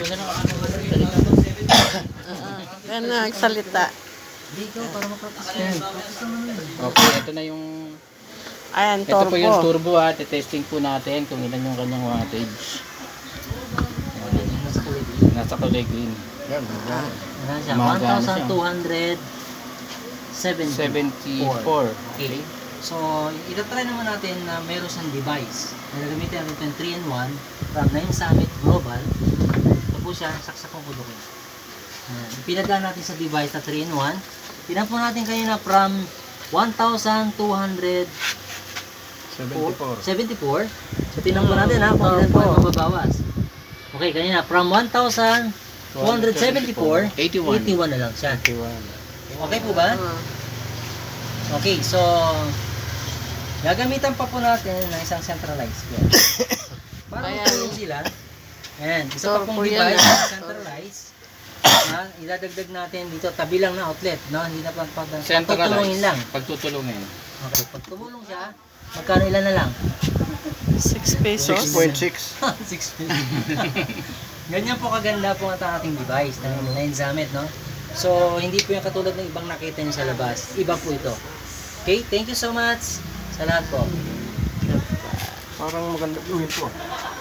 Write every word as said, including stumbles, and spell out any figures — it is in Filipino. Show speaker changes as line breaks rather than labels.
Gusto na ako magsalita.
Yan na, nagsalita.
Dito, para ma-practice. Okay, ito na yung...
Ayan,
Ito po yung
turbo.
turbo ha. Testing po natin kung ilan yung kanyang wattage. Ayan. Nasa kulay green.
Yan, yan.
Gumagana siya.
one thousand two hundred seventy.
seventy-four.
Okay. So, itatry naman natin na meron siyang device. Nagagamitin natin ito yung three in one from nine Summit Global. Ito po siya, saksakong kudukin. Pinadaan natin sa device na three in one. Tinan po natin kanina from one thousand two hundred seventy-four. So, tinan po natin ha, kung ilan po ang mababawas. Okay, kanina from one thousand two hundred seventy-four,
eighty-one.
eighty-one na lang siya. Okay po ba? Okay, so gagamitan pa po natin ng isang centralized yan. Para matulong sila. Ayan, isa pa pong device na centralized. Na, idadagdag natin dito, tabi lang na outlet, no? Hindi na pag pagtutulungin lang.
Pagtutulungin.
Okay, pag tumulong siya, magkano ilan na lang?
six pesos.
six point six.
six pesos. Ganyan po kaganda po ang ating device na nine Summit, no? So, hindi po yung katulad ng ibang nakita nyo sa labas. Iba po ito. Okay, thank you so much sa lahat po.
Parang maganda gawin po.